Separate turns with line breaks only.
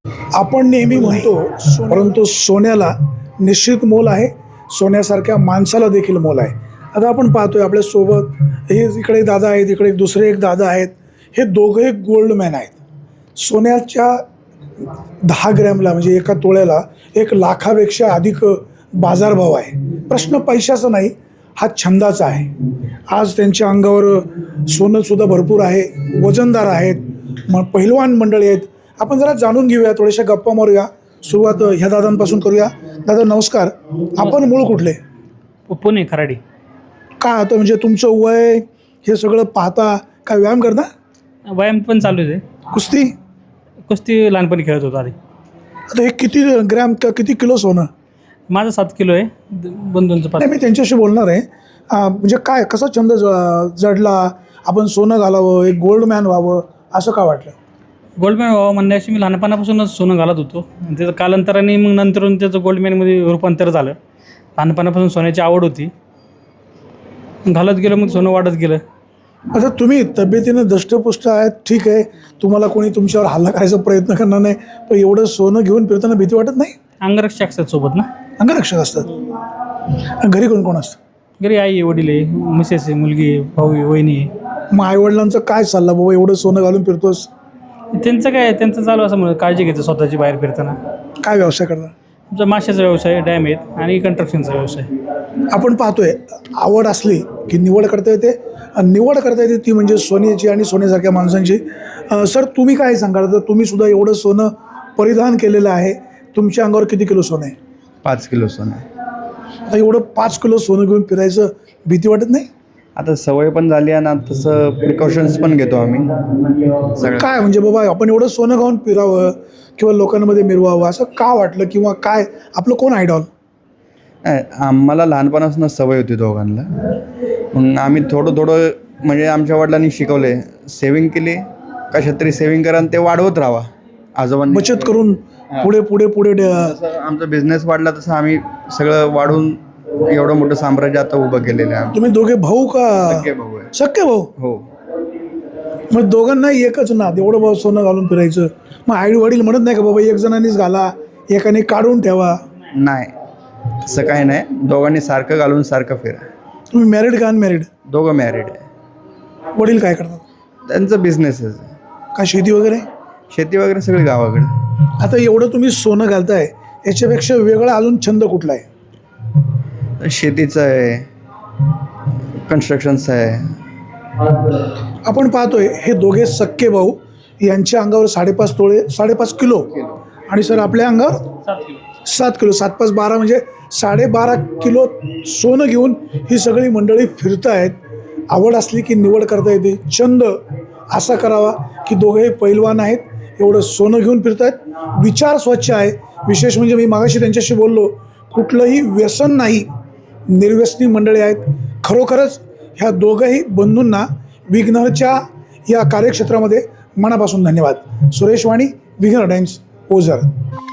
आपण नेहमी म्हणतो परंतु सोन्याला निश्चित मोल आहे, सोन्यासारख्या माणसाला देखील मोल आहे. आता आपण पाहतोय आपल्यासोबत हे इकडे दादा आहेत, इकडे दुसरे एक दादा आहेत. हे दोघे गोल्डमॅन आहेत. सोन्याच्या 10 ग्रॅमला म्हणजे एका तोळ्याला 1 लाखापेक्षा अधिक बाजारभाव आहे. प्रश्न पैशाचा नाही, हा छंदाचा आहे. आज त्यांच्या अंगावर सोनंसुद्धा भरपूर आहे, वजनदार आहेत, पहिलवान मंडळी आहेत. आपण जरा जाणून घेऊया, थोड्याशा गप्पा मारूया. सुरुवात ह्या दादांपासून करूया. दादा नमस्कार. आपण मूळ कुठले?
पुणे खराडी.
काय आता म्हणजे तुमचं वय हे सगळं पाहता काय व्यायाम करता?
व्यायाम पण चालू आहे. कुस्ती लहानपणी खेळत होतो आधी.
आता हे किती ग्रॅम किती किलो सोनं?
माझं 7 किलो आहे, बंधूंचं 5.
नाही, मी त्यांच्याशी बोलणार आहे. म्हणजे काय कसा छंद जडला, आपण सोनं घालावं, एक गोल्डमॅन व्हावं असं का वाटलं?
गोल्डमॅन व्हावं म्हणण्याशी मी लहानपणापासूनच सोनं घालत होतो. त्याचं कालांतराने मग नंतरून त्याचं गोल्डमॅनमध्ये रूपांतर झालं. लहानपणापासून सोन्याची आवड होती, घालत गेलं, मग सोनं वाढत गेलं.
आता तुम्ही तब्येतीनं दष्टपुष्ट आहेत, ठीक आहे, तुम्हाला कोणी तुमच्यावर हल्ला करायचा प्रयत्न करणार नाही, पण एवढं सोनं घेऊन फिरताना भीती वाटत नाही?
अंगरक्षक असतात सोबत ना.
अंगरक्षक असतात. घरी कोण कोण असतं?
घरी आई आहे, वडील आहे, मिसेस आहे, मुलगी आहे, भाऊ आहे, वहिनी आहे.
मग आईवडिलांचा काय सल्ला, बाबा एवढं सोनं घालून फिरतोस?
त्यांचं चालू असं म्हणून काळजी घ्यायचं स्वतःची बाहेर फिरताना.
काय व्यवसाय करता?
तुमचा माशाचा व्यवसाय, डॅम आहेत आणि कंस्ट्रक्शनचा व्यवसाय.
आपण पाहतोय आवड असली की निवड करता येते, आणि निवड करता येते ती म्हणजे सोन्याची आणि सोन्यासारख्या माणसांची. सर तुम्ही काय सांगाल? तर तुम्ही सुद्धा एवढं सोनं परिधान केलेलं आहे, तुमच्या अंगावर किती किलो सोनं आहे?
5 किलो सोनं.
आता एवढं 5 किलो सोनं घेऊन फिरायचं भीती वाटत नाही?
आता सवय पण झाली आहे ना, तसं प्रिकॉशन्स पण घेतो आम्ही सगळं.
काय म्हणजे बाबा आपण एवढं सोनं घालून फिरावं किंवा लोकांमध्ये मिरवावं असं का वाटलं, किंवा काय आपलं कोण आयडॉल?
नाही, आम्हाला लहानपणापासून सवय होती दोघांना. मग आम्ही थोडं म्हणजे आमच्या वडिलांनी शिकवले, सेविंग केली कशात तरी सेविंग करा आणि ते वाढवत राहा. आजोबांनी
बचत करून पुढे पुढे पुढे
जसं आमचा बिझनेस वाढला तसं आम्ही सगळं वाढून एवढं मोठं साम्राज्य आता उभं केलेलं आहे.
तुम्ही दोघे भाऊ का?
सख्खे भाऊ आहे.
सख्खे भाऊ?
हो.
मग दोघांना एकच ना, एवढं भाऊ सोनं घालून फिरायचं. मग आई वडील म्हणत नाही का बाबा एक जणांनीच घाला, एकाने काढून ठेवा?
नाही, तसं काही नाही, दोघांनी सारखं घालून सारखं फिरा.
तुम्ही मॅरिड का अनमॅरिड?
दोघं मॅरिड आहे.
वडील काय करतात?
त्यांचं बिझनेसच.
का शेती वगैरे?
शेती वगैरे सगळी गावाकडे.
आता एवढं तुम्ही सोनं घालताय, याच्यापेक्षा वेगळा अजून छंद कुठला आहे?
शेतीचं आहे, कन्स्ट्रक्शनचं आहे.
आपण पाहतोय हे दोघे सख्खे भाऊ, यांच्या अंगावर 5.5 किलो आणि सर आपल्या अंगावर 7 किलो. 7 5 12 म्हणजे 12.5 किलो सोनं घेऊन ही सगळी मंडळी फिरतायत. आवड असली की निवड करता येते. छंद असा करावा की दोघेही पैलवान आहेत, एवढं सोनं घेऊन फिरतायत. विचार स्वच्छ आहे. विशेष म्हणजे मी मागाशी त्यांच्याशी बोललो, कुठलंही व्यसन नाही, निर्व्यसनी मंडळी आहेत. खरोखरच ह्या दोघंही बंधूंना विघ्नरच्या या कार्यक्षेत्रामध्ये मनापासून धन्यवाद. सुरेश वाणी, विघ्नर टाइम्स, ओझर.